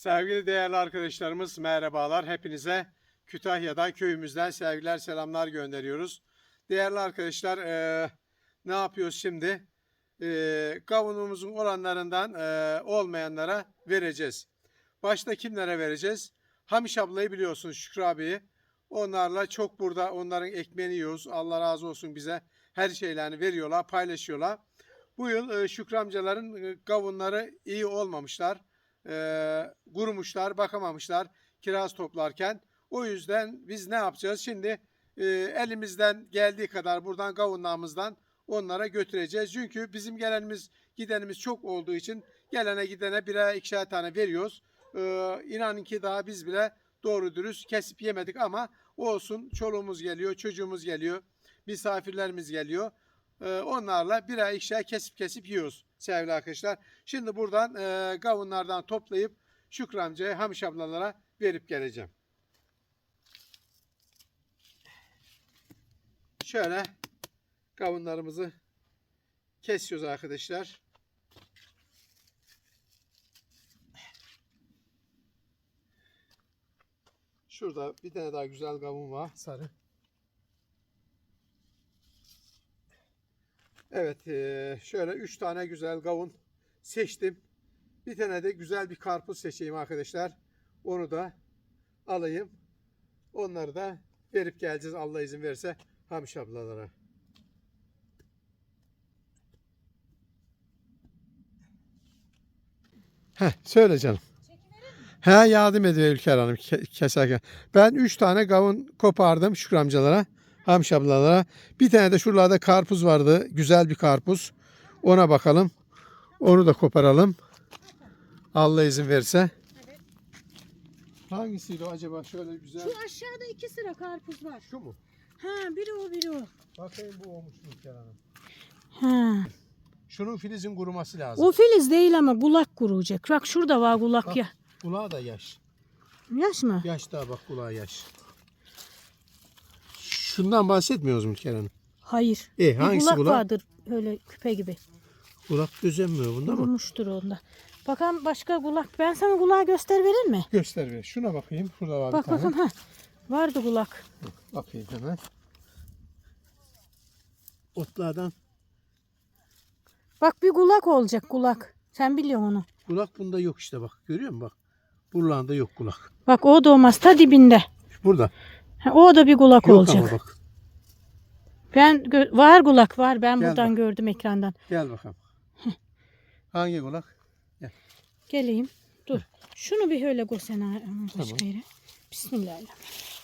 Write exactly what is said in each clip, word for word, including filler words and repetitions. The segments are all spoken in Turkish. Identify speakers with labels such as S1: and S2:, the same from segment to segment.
S1: Sevgili değerli arkadaşlarımız merhabalar. Hepinize Kütahya'dan, köyümüzden sevgiler, selamlar gönderiyoruz. Değerli arkadaşlar e, ne yapıyoruz şimdi? E, kavunumuzun olanlarından e, olmayanlara vereceğiz. Başta kimlere vereceğiz? Hamiş ablayı biliyorsunuz, Şükrü abiyi. Onlarla çok burada onların ekmeğini yiyoruz. Allah razı olsun, bize her şeylerini veriyorlar, paylaşıyorlar. Bu yıl e, Şükrü amcaların e, kavunları iyi olmamışlar. E, kurumuşlar, bakamamışlar kiraz toplarken. O yüzden biz ne yapacağız? Şimdi e, elimizden geldiği kadar buradan kavunlarımızdan onlara götüreceğiz. Çünkü bizim gelenimiz gidenimiz çok olduğu için gelene gidene birer ikişer tane veriyoruz. E, inanın ki daha biz bile doğru dürüst kesip yemedik ama olsun, çoluğumuz geliyor, çocuğumuz geliyor, misafirlerimiz geliyor. Onlarla birer ikişer kesip kesip yiyoruz sevgili arkadaşlar. Şimdi buradan e, kavunlardan toplayıp Şükrü amcaya, Hamiş ablalara verip geleceğim. Şöyle kavunlarımızı kesiyoruz arkadaşlar. Şurada bir tane daha güzel kavun var, sarı. Evet, şöyle üç tane güzel kavun seçtim. Bir tane de güzel bir karpuz seçeyim arkadaşlar. Onu da alayım. Onları da verip geleceğiz Allah izin verirse Hamiş ablalara. Heh, söyle canım. He, yardım ediyor Ülker Hanım keserken. Ben üç tane kavun kopardım Şükrü amcalara, Hamiş ablalara. Bir tane de şuralarda karpuz vardı. Güzel bir karpuz. Ona bakalım. Onu da koparalım. Allah izin verirse.
S2: Evet.
S1: Hangisiydi o acaba? Şöyle güzel.
S2: Şu aşağıda iki sıra karpuz var.
S1: Şu mu?
S2: Ha, biri o biri o.
S1: Bakayım, bu olmuş mu Ülker Hanım?
S2: Ha.
S1: Şunun filizin kuruması lazım.
S2: O filiz değil ama kulak kuruyacak. Bak şurada var kulak
S1: Bak,
S2: ya.
S1: kulağı da yaş.
S2: Yaş mı?
S1: Yaş daha, bak kulağı yaş. Şundan bahsetmiyoruz mu Ülker Hanım?
S2: Hayır.
S1: E,
S2: Bir
S1: hangisi
S2: kulak
S1: kulak?
S2: vardır öyle küpe gibi.
S1: Kulak düzenmiyor bunda mı?
S2: Kurumuştur onda. Bakalım başka kulak. Ben sana kulağı göster verir mi?
S1: Göster ver. Şuna bakayım. Şurada var
S2: Bak
S1: bir tane.
S2: bakalım. Ha. Vardı kulak.
S1: Bakayım hemen. Otlardan.
S2: Bak bir kulak olacak kulak. Sen biliyorsun onu.
S1: Kulak bunda yok işte bak. Görüyor musun bak. Buralarda yok kulak.
S2: Bak o da olmaz. Ta dibinde.
S1: Burada.
S2: Ha, o da bir kulak
S1: Yok
S2: olacak.
S1: ama bak.
S2: Ben var kulak var. Ben
S1: Gel
S2: buradan
S1: bak.
S2: gördüm ekrandan.
S1: Gel bakalım. Hangi kulak?
S2: Geleyim. Dur. Şunu bir öyle koysana başka
S1: Tamam.
S2: yere. Bismillahirrahmanirrahim.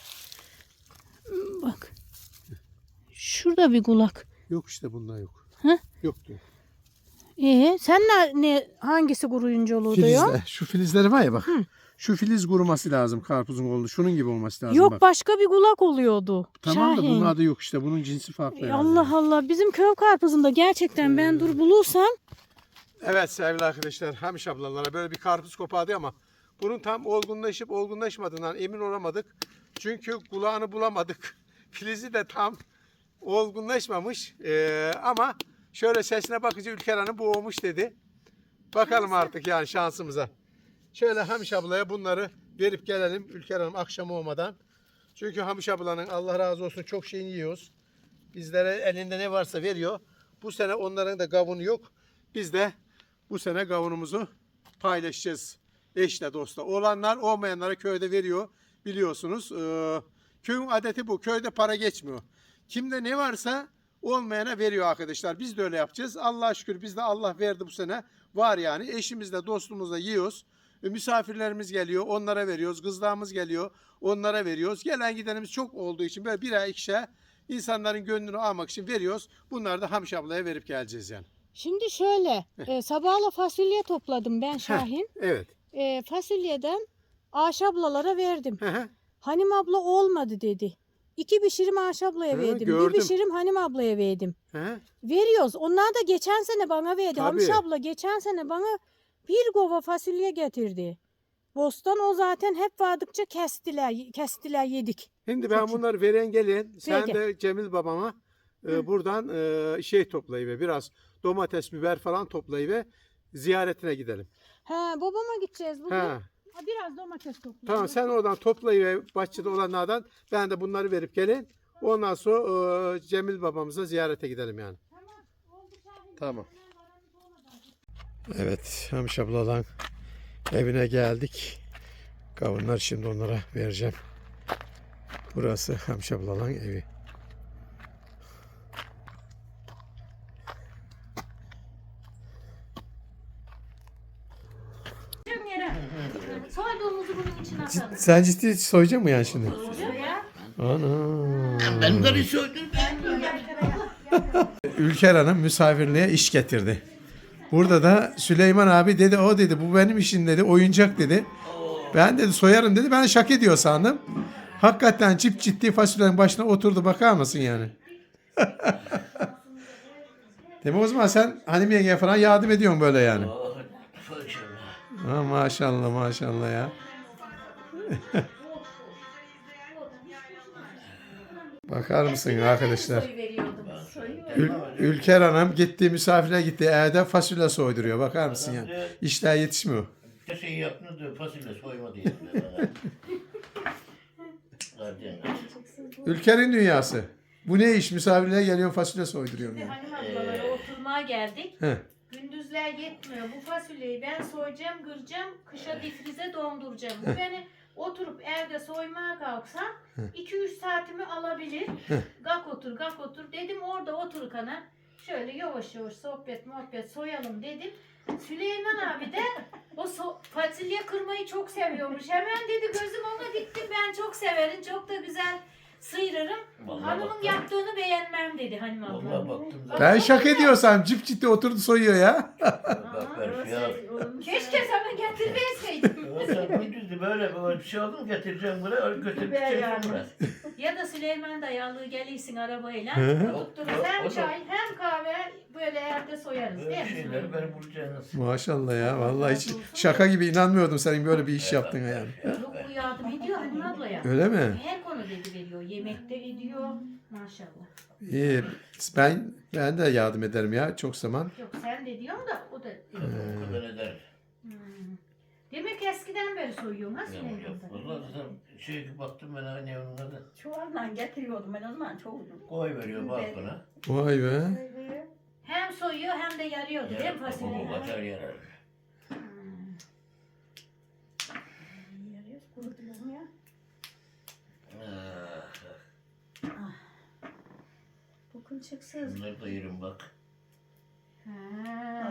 S2: Bak. Şurada bir kulak.
S1: Yok işte, bunda yok.
S2: Hı?
S1: Yok diyor.
S2: Ee, sen ne, ne hangisi kuruyunca oluyor?
S1: Filizler. Şu filizleri var ya bak.
S2: Hı.
S1: Şu filiz kuruması lazım karpuzun oldu. Şunun gibi olması lazım
S2: Yok,
S1: bak.
S2: başka bir kulak oluyordu.
S1: Tamam da
S2: Şahin.
S1: bunun adı yok işte. Bunun cinsi farklı.
S2: Ey
S1: herhalde.
S2: Allah Allah, bizim köy karpuzunda gerçekten ben dur bulursam.
S1: Evet sevgili arkadaşlar, Hamiş ablalara böyle bir karpuz kopardı ama bunun tam olgunlaşıp olgunlaşmadığından emin olamadık. Çünkü kulağını bulamadık. Filizi de tam olgunlaşmamış. Ee, ama şöyle sesine bakınca Ülker Hanım bu olmuş dedi. Bakalım artık yani şansımıza. Şöyle Hamiş ablaya bunları verip gelelim Ülker Hanım akşam olmadan. Çünkü Hamiş ablanın Allah razı olsun çok şeyini yiyoruz. Bizlere elinde ne varsa veriyor. Bu sene onların da kavunu yok. Biz de bu sene kavunumuzu paylaşacağız eşle dostla. Olanlar olmayanlara köyde veriyor biliyorsunuz. Ee, köyün adeti bu. Köyde para geçmiyor. Kimde ne varsa olmayana veriyor arkadaşlar. Biz de öyle yapacağız. Allah'a şükür biz de Allah verdi bu sene. Var yani. Eşimizle dostumuzla yiyoruz. E, misafirlerimiz geliyor. Onlara veriyoruz. Kızlarımız geliyor. Onlara veriyoruz. Gelen gidenimiz çok olduğu için böyle birer ikişer insanların gönlünü almak için veriyoruz. Bunları da Hamiş ablaya verip geleceğiz yani.
S2: Şimdi şöyle e, sabahla fasulye topladım ben Şahin.
S1: Heh, evet.
S2: E, fasulyeden Ayşe ablalara verdim.
S1: Hı hı.
S2: Hanim abla olmadı dedi. İki pişirim Ayşe ablaya
S1: Hı,
S2: verdim.
S1: gördüm.
S2: Bir pişirim Hanim ablaya verdim.
S1: Hı hı.
S2: Veriyoruz. Onlar da geçen sene bana verdi.
S1: Tabii.
S2: Hamiş abla geçen sene bana bir kova fasulye getirdi. Bostan o zaten hep vardıkça kestiler, kestiler yedik.
S1: Şimdi ben bunları veren gelin. Sen
S2: Peki.
S1: de Cemil babama e, buradan e, şey toplayıver. Biraz domates, biber falan toplayıver. Ziyaretine gidelim.
S2: He, babama gideceğiz bugün.
S1: Ha.
S2: Biraz domates toplayayım.
S1: Tamam sen oradan toplayıver bahçede olanlardan. Ben de bunları verip gelin. Ondan sonra e, Cemil babamıza ziyarete gidelim yani. Tamam. Evet Hamiş abladan evine geldik. Kavunlar şimdi onlara vereceğim. Burası Hamiş abladan evi.
S2: Soyduğumuzu bunun içine atalım.
S1: Sen ciddi soyacak mı yani şimdi?
S2: Ya.
S1: Ana.
S3: Ben karı soydum.
S1: Ülker Hanım misafirliğe iş getirdi. Burada da Süleyman abi dedi o dedi bu benim işim dedi oyuncak dedi. Ben dedi soyarım dedi ben şaka ediyor sandım. Hakikaten cip ciddi fasulyenin başına oturdu bakar mısın yani? Demek o zaman sen hanım yengeye falan yardım ediyorsun böyle yani. Ha, maşallah maşallah ya. Bakar mısın arkadaşlar? Ül Ülker Hanım gitti misafire gitti evde fasulye soyduruyor bakar mısın ya? İşler yetişmiyor.
S3: Şey yaptınız da fasulye soyma diye.
S1: Ülker'in dünyası. Bu ne iş? Misafirliğe geliyorsun fasulye soyduruyorsun. Yani.
S4: Hanım ablalara oturmaya geldik.
S1: Heh.
S4: Gündüzler yetmiyor. Bu fasulyeyi ben soyacağım, kıracağım, kışa difrize donduracağım. Bu beni oturup evde soymaya kalksam iki üç saatimi alabilir. Gak otur, gak otur. Dedim orada otur kana. Şöyle yavaş yavaş sohbet muhabbet soyalım dedim. Süleyman abi de o so- fasulye kırmayı çok seviyormuş. Hemen dedi gözüm ona diktim. Ben çok severim. Çok da güzel sıyırırım.
S3: Vallahi
S4: Hanımın
S3: baktım.
S4: yaptığını beğenmem dedi hanım abla.
S3: Vallahi baktım da.
S1: Ben şaka ediyorsam cip ciddi oturdu soyuyor ya.
S3: Bak ben şey al.
S4: Keşke sana getirmeseydim.
S3: Sen gündüzdü böyle böyle bir şey aldım getireceğim buraya öyle götürüp gideceğim buraya.
S4: Ya da Süleyman dayalı gelirsin arabayla.
S1: Hı.
S4: Tuttururuz
S3: O- o
S4: hem
S3: da-
S4: çay hem kahve böyle evde soyarız
S3: Böyle
S4: değil mi?
S3: şeyleri beni bulacaksınız.
S1: Maşallah ya. Vallahi hiç şaka gibi inanmıyordum senin böyle bir iş yaptığına yani.
S4: Yok bu yardım ediyor hanım ablaya.
S1: Öyle mi?
S4: Her konuda veriyor. Yemekte ediyor. Maşallah.
S1: İyi. Ben ben de yardım ederim ya çok zaman.
S4: Yok sen de diyorsun da o da ediyor.
S3: O kadar eder.
S4: Hmm. Demek eskiden beri soyuyorsun ha
S3: Yok yok.
S4: Süleyman?
S3: Vallahi sen şey baktım ben hani onun adı.
S5: Çuvalla getiriyordum ben o zaman çoğunu.
S3: Koy veriyor balkona.
S1: Vay be.
S4: Hem soyuyor hem de yarıyordu değil mi
S3: Bu
S4: fasulyeyi?
S3: batar yarar.
S4: Hmm.
S5: Yarıyoruz kurutuyorum ya.
S3: Ah,
S5: Bu kılçıksız.
S3: bunları da yerim bak.
S4: Ha.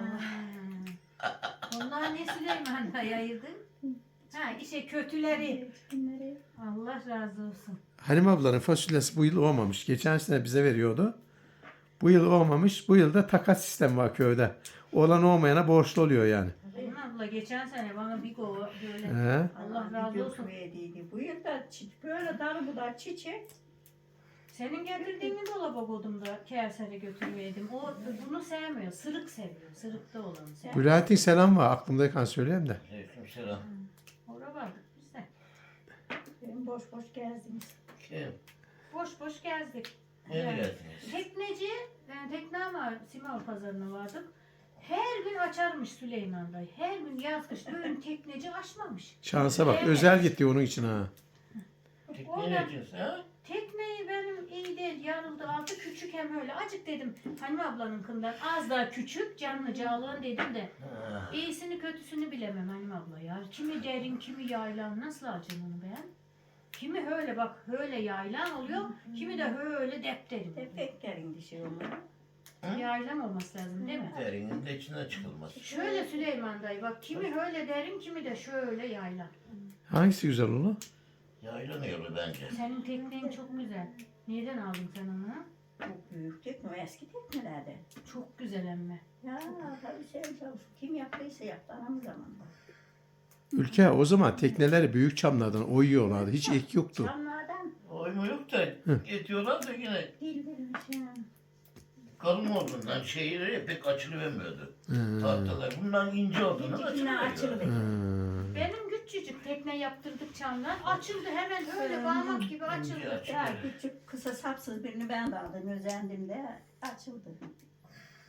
S4: Onlar ne Süleyman'la yayırdın? Ha işte kötüleri.
S5: Bunları
S4: Allah razı olsun.
S1: Halim ablanın fasulyesi bu yıl olmamış. Geçen sene bize veriyordu. Bu yıl olmamış. Bu yıl da takas sistemi var köyde. Olan olmayana borçlu oluyor yani.
S4: Benim abla geçen sene bana bir kova böyle
S1: He.
S4: Allah razı olsun.
S5: dökmeyediydi. Bu yıl da çi- böyle darı budar çiçek.
S4: Senin getirdiğini dolaba koydum da Kevser'e götürmeydim. O bunu sevmiyor. Sırık seviyor. Sırıkta olanı seviyor.
S1: Bülent'in selam var. Aklımdayken söyleyeyim de.
S3: Aleyküm selam.
S4: Oraya vardık biz de.
S5: Benim boş boş gezdiniz.
S3: Kim?
S4: Boş boş gezdik.
S3: Nereye
S4: Yani
S3: geldiniz?
S4: tekneci, yani tekne var, Simav pazarına vardık. Her gün açarmış Süleyman dayı. Her gün yaz kış düğün tekneci açmamış.
S1: Şansa bak.
S4: Evet.
S1: Özel gitti onun için ha.
S3: Tekne ne için ha?
S4: Tekneyi benim iyi değil yarıldı altı küçük hem öyle. Acık dedim Hanım ablanın kından az daha küçük canlı cağlığın dedim de.
S3: Ha.
S4: İyisini kötüsünü bilemem Hanım abla ya. Kimi derin kimi yaylan nasıl alacağım onu ben? Kimi öyle bak öyle yaylan oluyor. Kimi de öyle depterim.
S5: Tepeklerin dişi onları.
S4: Yaylan olması lazım değil mi?
S3: Derinin de içine çıkılmaz.
S4: Şöyle Süleyman dayı bak kimi öyle derin kimi de şöyle yaylan.
S1: Hangisi güzel olur?
S3: Yaylan yolu bence.
S4: Senin teknen çok güzel. Nereden aldın sen onu?
S5: Bu büyük tekne eski teknelerden.
S4: Çok güzel emme.
S5: Ya tabii sen çalışın. Kim yaptıysa yaptı anam zamanında.
S1: Ülke o zaman tekneleri büyük çamlardan oyuyorlardı. Hiç ek yoktu.
S5: Çamlardan
S3: Oyma yok da etiyorlar da yine
S5: dil vermiş ya.
S3: kalın olduğundan şeyleri pek açılıvermiyordu.
S1: Hı.
S3: Tahtalar. Bundan ince olduğundan
S5: Yine
S3: açılıyor.
S5: açıldı.
S1: Hı.
S4: Benim küçücük tekne yaptırdık çamdan. Açıldı hemen öyle parmak gibi açıldı.
S3: İnce açılıyor.
S5: Ya küçük kısa sapsız birini ben de aldım. Özendim de açıldı.
S4: Hmm.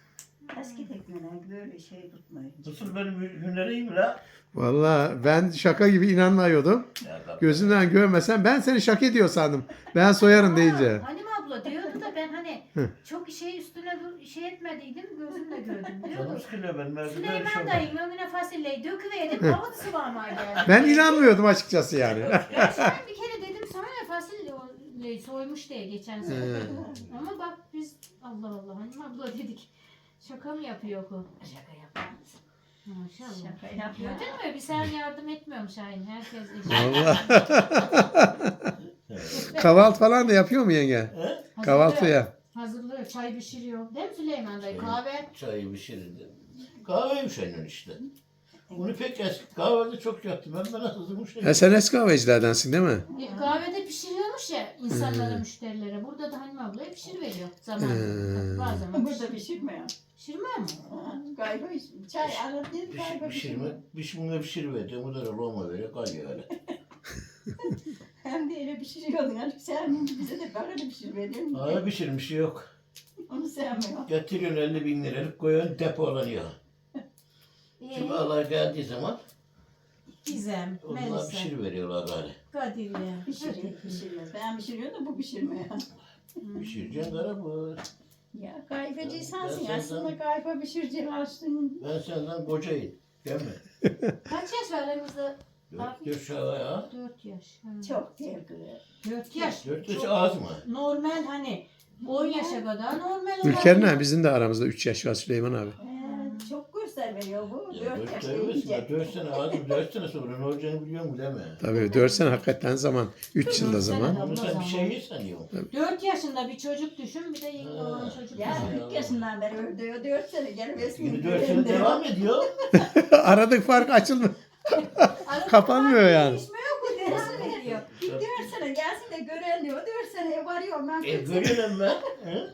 S5: Eski tekneler böyle şey tutmuyor.
S3: Nasıl benim hüneriyim la?
S1: Vallahi ben şaka gibi inanmıyordum.
S3: Ya bak.
S1: Gözümden görmesen ben seni şaka ediyor sandım. Ben soyarım deyince.
S4: Halim abla diyordu da ben hani çok şey üstüne dur- şey etmediydim gözümle gördüm diyordu.
S3: Canım sıkılıyor benim. Evde böyle şey
S4: Süleyman
S3: olmaz.
S4: dayım önüne fasulyeyi döküverdim havada sıvama geldi.
S1: Ben inanmıyordum açıkçası yani.
S4: Ben sana bir kere dedim sana ya fasulyeyi soymuş diye geçen sene.
S1: He.
S4: Ama bak biz Allah Allah Halim abla dedik. Şaka mı yapıyor o?
S5: Şaka yapmaz.
S4: Maşallah.
S5: Şaka yapma.
S4: Gördün mü? Bir sen yardım etmiyorum Şahin. Herkes eşit.
S1: Vallahi. Kahvaltı falan da yapıyor mu yenge?
S3: He?
S1: Kahvaltıya.
S4: Hazırlıyor. Çay pişiriyor. Değil mi Süleyman dayı? Kahve.
S3: Çayı pişirirdi. Kahve üşeniyor işte. Bunu pek eski kahvede çok yaptım. Ben bana hızlımış.
S1: Ha, sen eski kahvecilerdensin değil mi?
S4: E, kahvede pişiriyormuş ya insanlara, müşterilere. Burada da Halim ablaya pişiriveriyor. Zaman.
S1: Hmm.
S4: Bazen
S5: Burada pişirmiyor.
S4: pişirmiyor mu?
S5: Ha, Galiba çay aradın galiba
S3: Pişirme,
S5: pişirmiyor.
S3: pişirme pişiriverdi. Bu da loma veriyor. Kalıyor öyle.
S5: Hem de öyle pişiriyordun. Hani sen bize de böyle pişirmedin.
S3: Hala pişirmiş yok.
S5: Onu sevmiyor.
S3: Getiriyorsun elli bin liralık koyuyorsun depolanıyor. Şimdi
S4: Ee,
S3: Allah geldiği zaman
S2: Gizem,
S3: onlar
S2: Melisa,
S3: pişiriveriyorlar gari.
S2: Kadir ya.
S5: Pişiriyor, pişirmez. Ben pişiriyorum da bu pişirmiyor.
S3: Pişireceksin gara bu.
S5: Ya kayfacı sensin.
S3: Ben senden-
S5: Aslında kayfa pişireceksin açtın.
S3: Ben senden kocayım. Değil mi?
S4: kaç yaş var aramızda?
S3: Dört yaş ya.
S4: Dört yaş. Ha.
S5: Çok değil kız.
S2: Dört yaş.
S3: Dört yaş
S2: Çok
S3: az mı?
S2: normal hani on yaşa kadar normal.
S1: Ülker'le bizim de aramızda üç yaş var Süleyman abi.
S5: Ee, çok göster veriyor bu.
S3: Ya
S5: Dört
S3: dört
S5: yaşta
S3: dört
S5: yiyecek.
S3: dört sene az mı? Dört sene sonra ne olacağını biliyor musun değil mi?
S1: Tabii dört sene hakikaten zaman. Üç yılda
S2: Dört sene
S1: zaman.
S2: de-
S3: Bunu sen bir şey yesen diyorum.
S2: Dört yaşında bir çocuk düşün bir de yeni
S3: Ha.
S2: olan çocuk.
S5: Ya
S2: düşün.
S5: kırk yaşından beri öldü. Dört sene gelmesin.
S3: Yine dört sene devam ediyor.
S1: Aradık fark açılmıyor.
S2: Arada
S1: Kapanmıyor
S2: fark
S1: yani.
S2: değişmiyor bu devam ediyor.
S5: Bir dört sene gelsin de gören diyor. Dört seneye varıyor. Ben
S3: E
S5: kırk sene.
S3: görüyorum ben. He?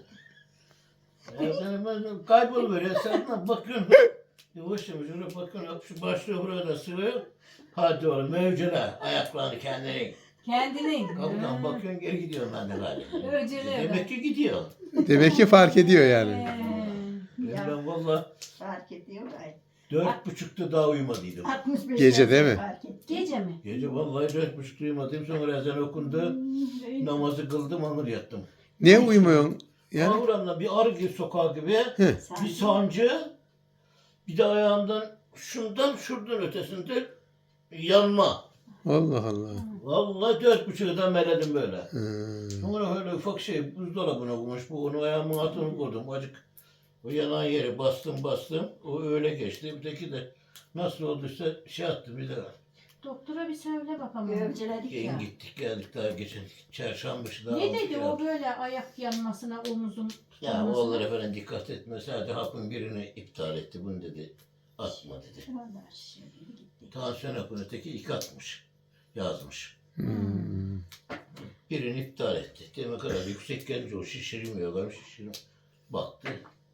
S3: Ya ben, ben kayboluver. Sen de bakıyorsun. Yavaş yavaş öyle bakıyorsun. Şu başlığı burada sığıyor. Hadi oğlum mevcuna. Ayaklarını kendine.
S2: Kendinin.
S3: Kapıdan
S2: Ha.
S3: bakıyorsun geri gidiyorum ben de galiba.
S2: Öceli
S3: Demek ki gidiyor.
S1: Demek ki fark ediyor yani.
S2: Ee,
S3: Ben,
S5: Ya.
S3: ben valla
S5: Fark ediyor gayet.
S3: dört buçukta daha uyumadıydım.
S5: altmış beş
S1: Gece değil mi?
S5: yaşında fark etti.
S2: Gece mi?
S3: Gece vallahi dört buçukta uyumadım. Sonra ezan okundu.
S5: Hmm,
S3: Namazı kıldım, anır yattım.
S1: Niye uyumuyorsun? Yani
S3: Ağuramda bir arı gibi sokağı gibi.
S5: Sen-
S3: Bir sancı. Bir de ayağımdan şundan şuradan ötesinde yanma.
S1: Allah Allah.
S3: Vallahi dört buçukta meledim böyle.
S1: Hmm.
S3: Sonra öyle ufak şey buzdolabına koymuş. Bu onu ayağımın altına koydum. Acık o yanan yere bastım bastım. O öyle geçti. Öteki de nasıl olduysa şey attı bir de.
S4: Doktora bir söyle bakalım.
S5: Gövceledik ya.
S3: Yayın gittik geldik daha geçen çarşamba işte daha
S4: Ne
S3: olmuş
S4: dedi
S3: ya.
S4: o böyle ayak yanmasına, omuzun
S3: Ya
S4: tutulmasına?
S3: oğulları falan dikkat etme. Sadece hapın birini iptal etti. Bunu dedi atma dedi.
S5: Vallahi şimdi gitti.
S3: Tansiyon hapını öteki iki atmış. Yazmış.
S1: Hmm.
S3: Birini iptal etti. Demek kadar yüksek gelince o şişirmiyor. Ben şişirim. Baktı.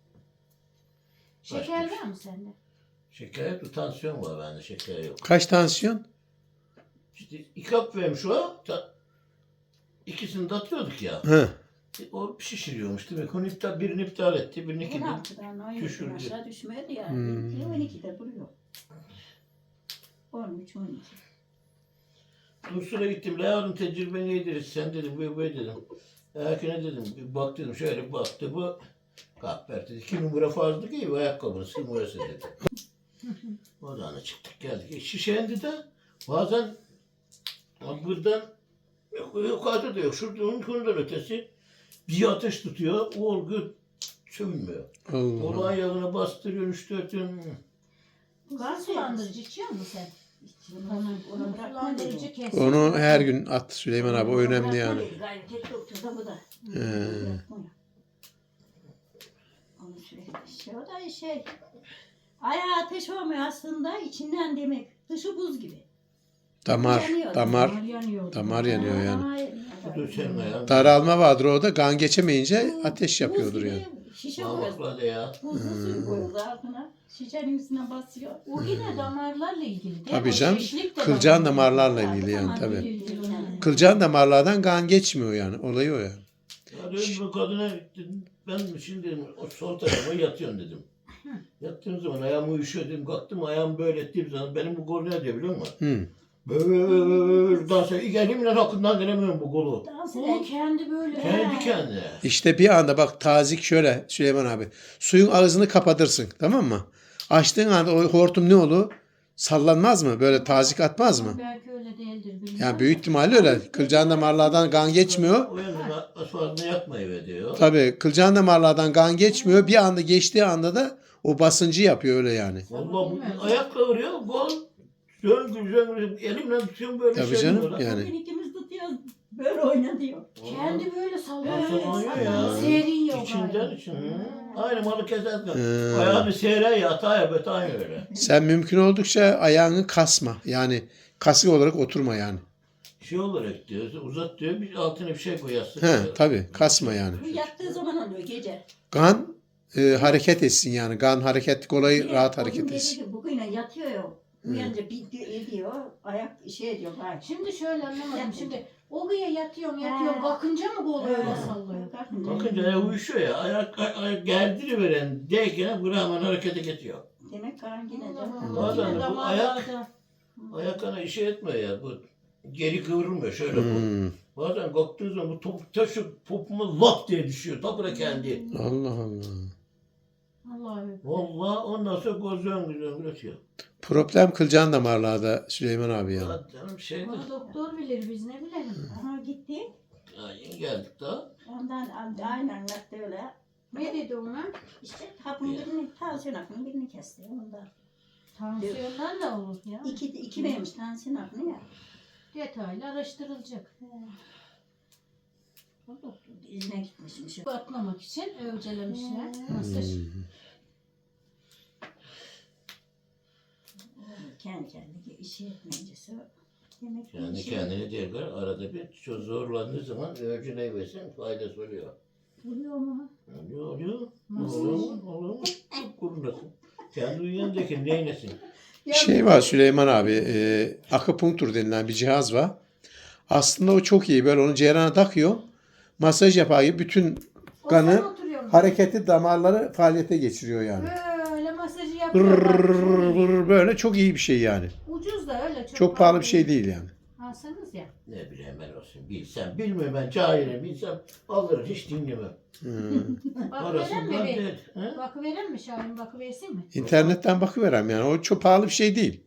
S4: Şeker
S3: Başmış.
S4: var mı sende?
S3: Şeker yok. Tansiyon var bende. Şeker yok.
S1: Kaç tansiyon?
S3: İşte iki hap vermiş o. Ta, ikisini de atıyorduk ya.
S1: Hı.
S3: E, O şişiriyormuş. Demek onu iptal, birini iptal etti. Birini iki
S5: on
S3: de.
S5: altıdan on yediden
S3: düşürdü.
S5: aşağı düşmedi ya.
S1: Hmm.
S5: on ikide duruyor. on üç on iki.
S3: Dursun'a gittim. La yavrum tecrübe neydir? Sen dedim bu bu dedim. Erkene dedim. Bir bak dedim. Şöyle bir baktı bu. Kahper dedi. İki numara fazla ki bu ayakkabının numarası dedi. Oradan çıktık geldik. E, şişendi de bazen buradan yok, yukarıda da yok. Şurada onun konudan ötesi bir ateş tutuyor. O olgu sönmüyor.
S1: Allah
S3: Onu
S1: Allah.
S3: ayağına bastırıyor. Üç dört gün.
S4: Kan sulandırıcı içiyor musun sen?
S5: Onu, onu bırakma
S2: Sulandırıcı
S5: dedi.
S2: kes.
S1: Onu her gün at Süleyman abi. O
S5: Onu
S1: önemli
S5: bırakma
S1: yani.
S5: dedi. Gayet tek doktor da bu da.
S1: Ee,
S5: Bırakmıyor. Onu sürekli şey o da şey. Ayağı ateş olmuyor aslında içinden demek. Dışı buz gibi.
S1: damar,
S5: Yanıyor.
S1: damar,
S2: Damar yanıyor.
S1: damar yanıyor yani.
S5: Ama-
S3: Bu da senin ayağın.
S1: Daralma vardır o da. Kan geçemeyince
S5: Bu
S1: ateş yapıyordur
S5: buz
S1: yani.
S5: gibi Şişe koyuyoruz.
S3: Parmakla da ya.
S5: Buzlu suyu koyuyoruz altına. Şişenin üstüne basıyor.
S4: O yine damarlarla ilgili değil mi?
S1: Tabii
S4: O
S1: canım.
S4: şişlik de
S1: Kılcal
S4: damarla
S1: damarlarla
S4: ilgili.
S1: ilgili yani
S5: Damar
S1: tabii.
S5: ilgili yani.
S1: Kılcal damarlardan kan geçmiyor yani. Olayı o yani.
S3: Ya dedim bu kadına dedim, ben şimdi dedim, o sol tarafa yatıyorsun dedim. Yattığım zaman ayağım uyuşuyor dedim. Kalktım ayağımı böyle ettiğim zaman benim bu kol ne diyor biliyor musun?
S1: Hı.
S3: Böyle dans ediyor. Elimle hakkından gelemiyorum bu kolu.
S5: Dans
S2: O
S5: eden
S2: kendi böyle.
S3: Kendi
S2: He.
S3: kendine.
S1: İşte bir anda bak tazik şöyle Süleyman abi. Suyun ağzını kapatırsın tamam mı? Açtığın anda o hortum ne olur? Sallanmaz mı? Böyle tazik atmaz mı?
S2: Belki öyle değildir. bilmem.
S1: Yani büyük ihtimalle öyle. Kılcal damarlardan kan geçmiyor.
S3: O yüzden asfaltını yakmayı diyor.
S1: Tabii kılcal damarlardan kan geçmiyor. Bir anda geçtiği anda da o basıncı yapıyor öyle yani.
S3: Vallahi bu ayak kıvırıyor. Gol. Zöngür zöngür. Elimle tutuyorum böyle
S1: Tabii
S3: şey
S1: canım,
S3: oluyor.
S1: yani.
S5: Bugün ikimiz tutuyoruz. Böyle oyna diyor.
S2: Kendi böyle sallanıyor.
S3: Sallanıyor ya.
S2: Serin yok.
S3: İçinden
S2: galiba.
S3: için. Aynı malı keserken.
S1: Hı.
S3: Ayağını seyre yatağa ya aynı öyle.
S1: Sen mümkün oldukça ayağını kasma. Yani kasık olarak oturma yani.
S3: Şey olarak diyor, uzat diyor, bir altına bir şey koyarsın.
S1: He tabii kasma yani.
S5: Bu yattığı zaman oluyor gece.
S1: Kan e, hareket etsin yani. Kan hareketlik olayı
S5: Niye?
S1: rahat
S5: O gün
S1: hareket
S5: dedi
S1: etsin.
S5: ki, bugün yatıyor ya. Uyanınca bir diyor, ediyor. Ayak şey ediyor. Bak.
S2: Şimdi şöyle anlamadım. Şimdi o güya yatıyorum
S5: He.
S2: yatıyorum. Bakınca mı kolu öyle
S5: Evet.
S2: sallıyor?
S3: Bakınca ayak uyuşuyor ya, ayak, ayak gerdiriveren deyken bu hemen harekete geçiyor.
S5: Demek kan yine de.
S2: Allah
S3: Bazen
S2: Allah.
S3: de
S2: Yine
S3: bu
S2: damarlarda.
S3: Ayak ana işe etmiyor ya, bu geri kıvrılmıyor şöyle bu.
S1: Hmm.
S3: Bazen kalktığı zaman bu top, taşı popuma lap diye düşüyor, tapıra kendi.
S1: Allah Allah.
S2: Allah'ım.
S3: Vallahi ondan sonra göz zöngür zöngür ötüyor.
S1: Problem kılcal damarlarda Süleyman abi yani.
S3: Ya canım şeydir.
S2: Onu doktor bilir biz ne bilelim.
S5: Aha gitti.
S3: Ya yeni geldik daha.
S5: Ondan aynen anlattı öyle.
S2: Ne dedi ona?
S5: İşte hapın birini, tansiyon hapının birini kesti. Ondan.
S2: Tansiyondan da olur ya.
S5: İki, iki vermiş tansiyon hapını ya.
S2: Detaylı araştırılacak.
S5: O doktor izine gitmişmiş.
S2: Bu atmamak için övcelemişler.
S5: Hmm.
S2: Masaj.
S5: Kendi kendine işi etmeyicisi. Demek ki
S3: Yani
S5: işi
S3: kendini değil, arada bir çok zorlandığı zaman örcüne versin faydası oluyor.
S5: oluyor mu?
S3: Oluyor, oluyor.
S2: Nasıl?
S3: Olur mu? Olur mu? Kurunasın. Kendi uyuyandaki neynesin?
S1: Bir şey var Süleyman abi. E, akupunktur denilen bir cihaz var. Aslında o çok iyi. Böyle onu cerrahına takıyor. Masaj yapar gibi bütün kanı
S2: Oturuyor, oturuyor.
S1: hareketli damarları faaliyete geçiriyor yani.
S2: Böyle masajı
S1: Vır
S2: yapıyorlar.
S1: vır böyle çok iyi bir şey yani.
S2: Ucuz da öyle. Çok,
S1: Çok pahalı bir şey değil yani.
S2: Alsanız ya.
S3: Ne bileyim ben olsun. Bilsem, bilmiyorum ben cahilim. Bilsem alırım hiç dinlemem.
S1: Hmm.
S2: Bakıveren mi
S3: Parasından
S2: bir?
S3: değil. He?
S2: Bakıveren mi Şahin? Bakıversin mi?
S1: İnternetten bakıverem yani. O çok pahalı bir şey değil.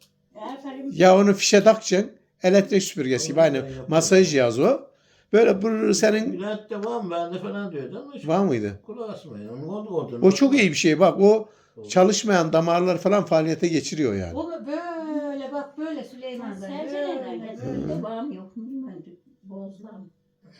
S5: Aferin.
S1: Ya onu fişe takacaksın. Elektrik süpürgesi gibi aynı masaj cihazı o. Böyle bır senin
S3: Bülent de var mı? Bende falan diyordu ama hiç
S1: var mıydı?
S3: kulağı asmayın. Onun oldu oldu.
S1: O çok iyi bir şey bak. O çalışmayan damarlar falan faaliyete geçiriyor yani.
S2: O mu böyle bak böyle Süleyman dayı. Böyle, böyle.
S5: Böyle bağım yok mu bilmiyorum. Bozlam.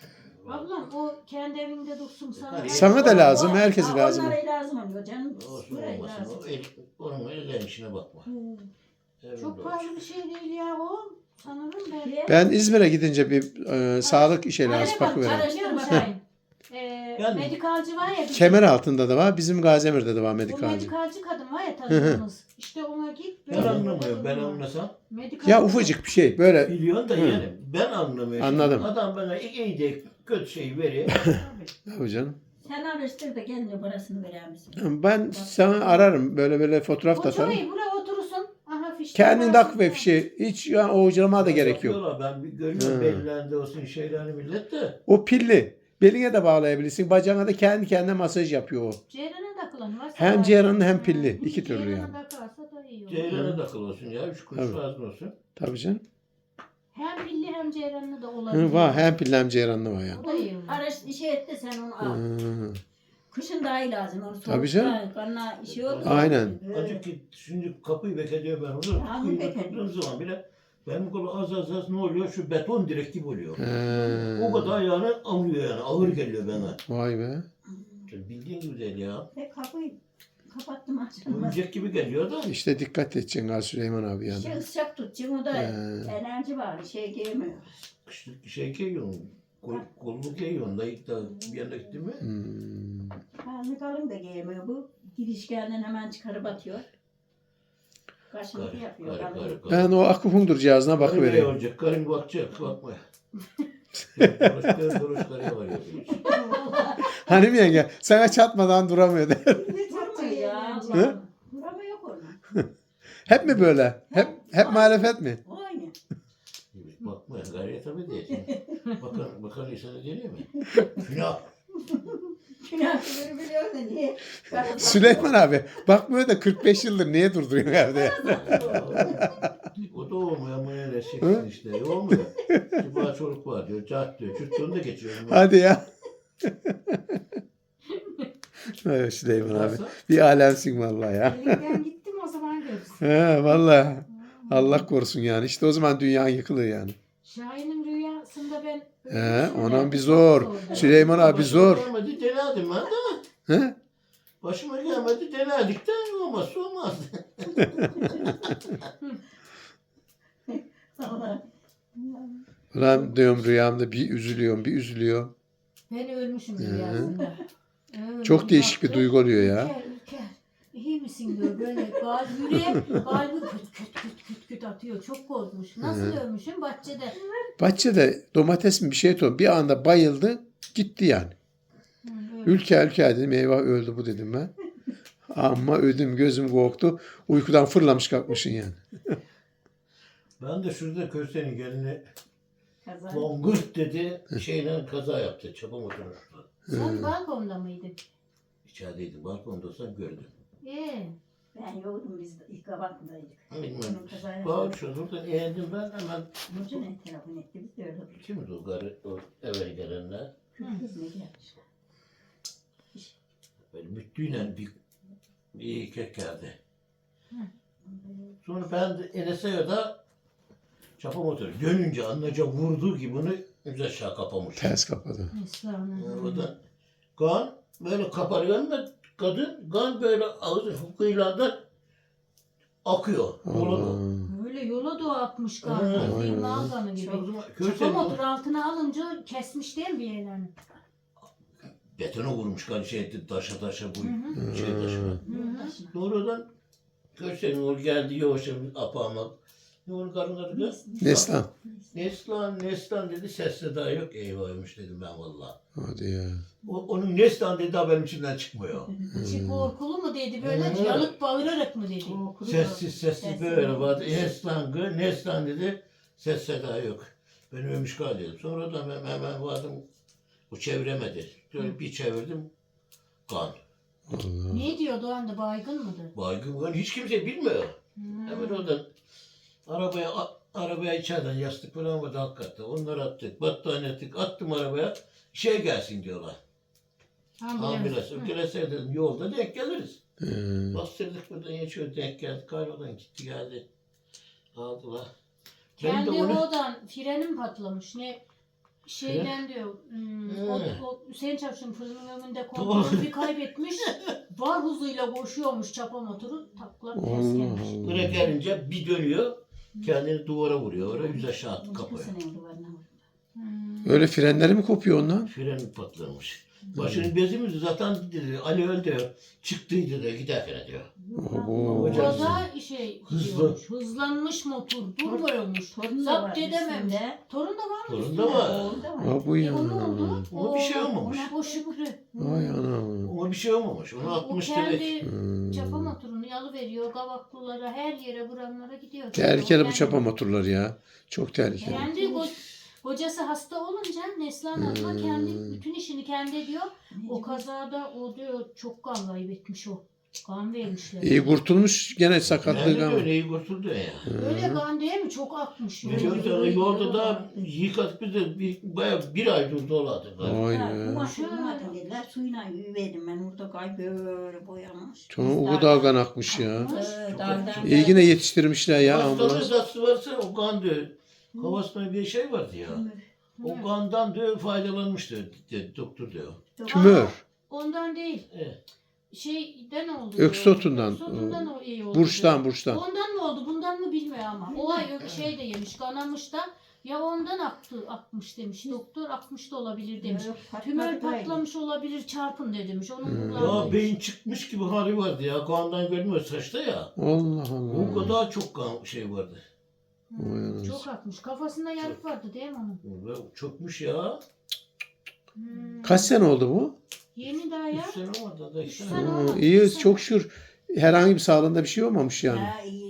S2: Ablam o kendi evinde dursun sana.
S3: Yukarı-
S1: Sana da lazım, herkese
S5: Ha,
S1: lazım.
S5: Onlara lazım oluyor canım.
S3: Olsun
S5: Buraya
S3: olmasın.
S5: lazım.
S3: O el, onun elden işine bakma. Evinde
S2: Çok
S3: olsun.
S2: pahalı bir şey değil ya o. Sanırım ben.
S1: Ben İzmir'e gidince bir e, sağlık şeyleri
S2: Anne bak
S1: bakıverem.
S2: araştırma Şahin. Ee,
S3: Yani-
S2: medikalci var ya. bizim-
S1: Kemer altında da var. Bizim Gaziemir'de de var
S2: O
S1: medikalci.
S2: medikalci kadın var ya tanıdığımız. İşte ona git.
S3: Ben anlamıyorum. Ben anlasam.
S2: Medikalci.
S1: Ya ufacık bir şey böyle.
S3: Biliyorsun da
S1: Hı.
S3: yani ben anlamıyorum.
S1: Anladım.
S3: Adam bana iyi de kötü şey veriyor.
S1: Tabii canım.
S5: Sen araştır da gelince parasını verir misin?
S1: Ben sana ararım. Böyle böyle fotoğraf da
S2: O çok
S1: atarım.
S2: iyi. Buraya oturursun. Aha fişte.
S1: Kendin
S2: var.
S1: tak ve fişi. Hiç yani oğucalama da gerek yok.
S3: Bakıyorlar, ben bir görüyorum
S1: Hı.
S3: bellerinde olsun şeylerini millet de.
S1: O pilli. Beline de bağlayabilirsin. Bacağına da kendi kendine masaj yapıyor o.
S2: Ceyrana takılan varsa.
S1: Hem
S2: var.
S1: ceyranlı hem
S2: Ha,
S1: pilli. İki türlü
S2: ceyrana
S1: yani.
S2: takarsa da iyi olur.
S3: Ceyrana takıl olsun ya. Üç kuruş
S1: Tabii.
S3: lazım olsun.
S1: Tabii canım.
S2: Hem pilli hem ceyranlı da olabilir.
S1: Hı, var. Hem pilli hem ceyranlı var yani.
S2: O da iyi olur.
S5: Araş şey et de sen onu al.
S1: Hı.
S5: Kışın daha iyi lazım. Onu
S1: Tabii canım.
S5: soğukta, Kanına şey olur.
S1: Aynen.
S5: Böyle.
S3: Acık ki şimdi kapıyı bekliyor ben onu.
S5: Tamam,
S3: Kapıyı
S5: bekle.
S3: tuttuğum zaman bile benim kolu az az az ne oluyor? Şu beton direk gibi oluyor.
S1: He.
S3: O kadar yani amıyor yani. Ağır geliyor bana.
S1: Vay be.
S3: Bildiğin gibi değil ya.
S5: Ve kapıyı kapattım açılmaz.
S3: Oyuncak gibi geliyor da.
S1: İşte dikkat edeceksin Gal Süleyman abi yani.
S5: Şey sıcak tutacağım o da
S1: He.
S5: enerji var. Şey giyemiyor.
S3: Kışlık şey giyiyorsun. Kol, kolluk giyiyorsun. Da ilk da bir yana gittin mi?
S1: Hmm.
S5: Karnı kalın da giyemiyor bu. Girişkenden hemen çıkarıp atıyor. Kaşıntı
S3: Karı,
S5: yapıyor.
S3: karı,
S5: kalın.
S3: karı, karı.
S1: Ben o akupunktur cihazına
S3: Karı ne
S1: bakıvereyim.
S3: olacak? Karın bakacak. Bakma. Duruşları duruşları var ya.
S1: Hani mi yenge? Sana çatmadan duramıyor de.
S5: Durmuyor ya. Allah. Burama yok onun.
S1: Hep mi böyle? Hep hep muhalefet mi?
S5: Aynı.
S3: Bakma gayret tabii diye. Bakan, bakan insana geliyor mu? Günah.
S5: Günahları biliyor da niye?
S1: Süleyman abi bakmıyor da kırk beş yıldır niye durduruyor evde?
S3: O da olmuyor ama öyle çeksin işte. E, olmuyor. Kibar çocuk var diyor. Cart diyor. Çürttüğünü de geçiyorum.
S1: Hadi ya. Evet Süleyman abi.
S3: Nasıl?
S1: Bir alemsin vallahi ya.
S2: Elimden gittim o zaman görürsün.
S1: He vallahi. Allah korusun yani. İşte o zaman dünya yıkılır yani.
S2: Şahin'in rüyasında ben
S1: He, onun bir zor. Süleyman abi zor.
S3: Başıma gelmedi denedim ben de.
S1: He?
S3: Başıma gelmedi denedik de olmazsa olmaz.
S5: Allah.
S1: Ulan diyorum rüyamda bir üzülüyorum bir üzülüyorum.
S2: ben ölmüşüm rüyasında. Öyle
S1: Çok değişik bir
S2: baktım,
S1: duygu oluyor ya.
S2: Ülker, Ülker. İyi misin diyor böyle kalp yüreğe kalbi küt küt küt küt küt atıyor. Çok korkmuş. Nasıl ölmüşüm? Bahçede.
S1: Bahçede domates mi bir şey topladım. Bir anda bayıldı gitti yani.
S2: Hı, öyle.
S1: Ülke ülke dedim eyvah öldü bu dedim ben. Ama ödüm gözüm korktu. Uykudan fırlamış kalkmışsın yani.
S3: Ben de şurada Köse'nin gelini
S5: Kaza.
S3: Bongurt dedi. Şeyle kaza yaptı. Çapa motorunu.
S2: Sen balkonda mıydın?
S3: İçerideydim. Balkonda olsam gördüm.
S2: Ee,
S5: Ben yoktum biz de ilk kabakındaydık.
S3: Bilmem.
S5: Onun kazayla.
S3: Bağır şuradan eğildim ben hemen.
S5: Nurcu ne telefon etti biz de öyle olduk.
S3: Kimdi o garı, o eve gelenler?
S5: Kız ne gelmiş.
S3: Böyle müttüyle bir, bir kek geldi.
S2: Hı.
S3: Sonra ben de Enes'e çapa motoru dönünce anlaca vurduğu gibi bunu yüz aşağı kapamış.
S1: Ters kapadı.
S2: Esra'nın.
S3: O da kan böyle kaparıyor ama kadın kan böyle ağzı hukukuyla da akıyor. Yola doğru.
S1: Allah.
S2: Böyle yola doğru atmış
S3: Hı.
S2: galiba.
S1: Vay
S2: Bir
S1: be.
S2: malganı gibi.
S3: O zaman
S2: Çapa
S3: Köse'nin
S2: motor altına alınca kesmiş değil mi bir yerlerini?
S3: betona vurmuş kan şey taşa taşa bu
S2: Hı hı.
S3: şey taşına.
S2: Hı hı.
S3: Sonradan Köse'nin o geldi yavaş yavaş apağıma. Ne onun karnı adı kız?
S1: Neslan.
S3: Neslan, Neslan dedi ses seda yok. Eyvahmış dedim ben valla.
S1: Hadi ya.
S3: O, onun Neslan dedi daha benim içimden çıkmıyor.
S2: İçi korkulu mu dedi böyle
S3: Hı.
S2: yalık bağırarak mı dedi?
S3: Sessiz sessiz böyle vardı. Neslan, gı, Neslan dedi. Ses seda yok. Ben ölmüş kal dedim. Sonra da hemen, hemen vardım. O çeviremedi. Böyle bir çevirdim. Kan.
S1: Allah.
S2: Ne diyordu o anda baygın mıdır?
S3: Baygın kan hiç kimse bilmiyor.
S2: Hmm.
S3: Hemen oradan arabaya a- arabaya içeriden yastık falan vardı alt katta. Onları attık. Battaniye attık. Attım arabaya. Şey gelsin diyorlar. Ambulans.
S2: Hı.
S3: Ökelese dedim yolda denk geliriz.
S1: Ee,
S3: Bastırdık buradan geçiyor denk geldik. Kaybolan gitti geldi. Aldılar. Benim de
S2: Kendi
S3: onu-
S2: oradan frenim patlamış. Ne şeyden diyor. Hmm,
S3: Hı.
S2: o, o Hüseyin Çavuş'un fırının önünde
S3: Doğru.
S2: kontrolü kaybetmiş. Var hızıyla koşuyormuş çapa motoru. Takla ters
S1: Allah
S2: gelmiş.
S1: Allah.
S3: Buraya gelince bir dönüyor. Kendini duvara vuruyor. Oraya yüz aşağı attı kapıya.
S5: Kızının duvarına vurdu.
S2: Hmm.
S1: Öyle frenleri mi kopuyor ondan?
S3: Freni patlamış. Başının bezimiz zaten dedi. Ali öldü. Çıktıydı da giderken diyor.
S1: Oo.
S3: Hocam.
S2: Kaza şey
S3: Hızlı.
S2: gidiyormuş, hızlanmış motor durmuyormuş.
S5: Torun da
S2: Zapt
S5: var
S2: edememiş.
S5: üstünde.
S2: Torun da var mı?
S3: Torun
S2: üstünde?
S3: da var.
S5: Oğlu da var.
S1: Ha bu
S2: E,
S1: ya.
S2: o ne oldu?
S3: Ona bir şey olmamış.
S2: O Şükrü.
S1: Vay anam.
S3: Ona bir şey olmamış. Onu
S2: O
S3: atmış
S2: kendi
S3: direkt.
S1: Hmm.
S2: çapa motorunu yalıveriyor. Gavaklılara her yere buranlara gidiyor.
S1: Tehlikeli bu
S2: Kendi-
S1: çapa motorları ya. Çok tehlikeli.
S2: Kendi ko- kocası hasta olunca Neslihan abla
S1: Hmm.
S2: kendi bütün işini kendi ediyor. O kazada o diyor çok kan kaybetmiş o. Kan vermişler.
S1: İyi kurtulmuş gene sakatlığı
S3: Yani
S1: ama.
S3: öyle iyi kurtuldu ya.
S2: Öyle kan değil mi? Çok akmış.
S3: Ne diyorsun? Yolda da yıkadık biz de bir, bayağı bir ay durdu oladı.
S1: Vay
S5: Ha,
S1: be.
S5: bu maçı olmadı dediler. Suyuna yüverdim ben orada kay böyle boyamış.
S1: Çok o kadar kan akmış ya.
S5: Ee, dağdan
S1: İyi yine yetiştirmişler ya
S3: Hastalığı
S1: ambulans.
S3: hastası varsa o kan diyor. Havasında bir şey vardı ya. O kandan diyor faydalanmış diyor, dedi, doktor diyor.
S1: Tümör.
S2: Ondan değil.
S3: Evet.
S2: Şeyden oldu.
S1: Öksotundan.
S2: Öksotundan o iyi oldu.
S1: Burçtan burçtan.
S2: Ondan mı oldu bundan mı bilmiyor ama. O ay ö- şey de yemiş kanamış da ya ondan aktı akmış demiş. Doktor akmış da olabilir demiş. Tümör patlamış olabilir çarpın de demiş. Onun
S1: Hmm.
S3: Ya
S2: kulağına
S3: beyin çıkmış gibi hali vardı ya. Kandan görünmüyor saçta ya.
S1: Allah
S3: O
S1: Allah.
S3: kadar çok kan şey vardı.
S2: Hmm,
S1: Vay anasını.
S2: çok akmış. Kafasında yarık vardı değil mi onun?
S3: Ve çökmüş ya.
S2: Hmm.
S1: Kaç sene oldu bu?
S2: Yeni daha ya.
S3: Üç sene olmadı da
S2: Üç
S3: işte.
S2: sene.
S1: Aa,
S2: olmadı,
S1: iyi
S2: üç sene.
S1: çok şükür. Herhangi bir sağlığında bir şey olmamış yani.
S5: Ya iyi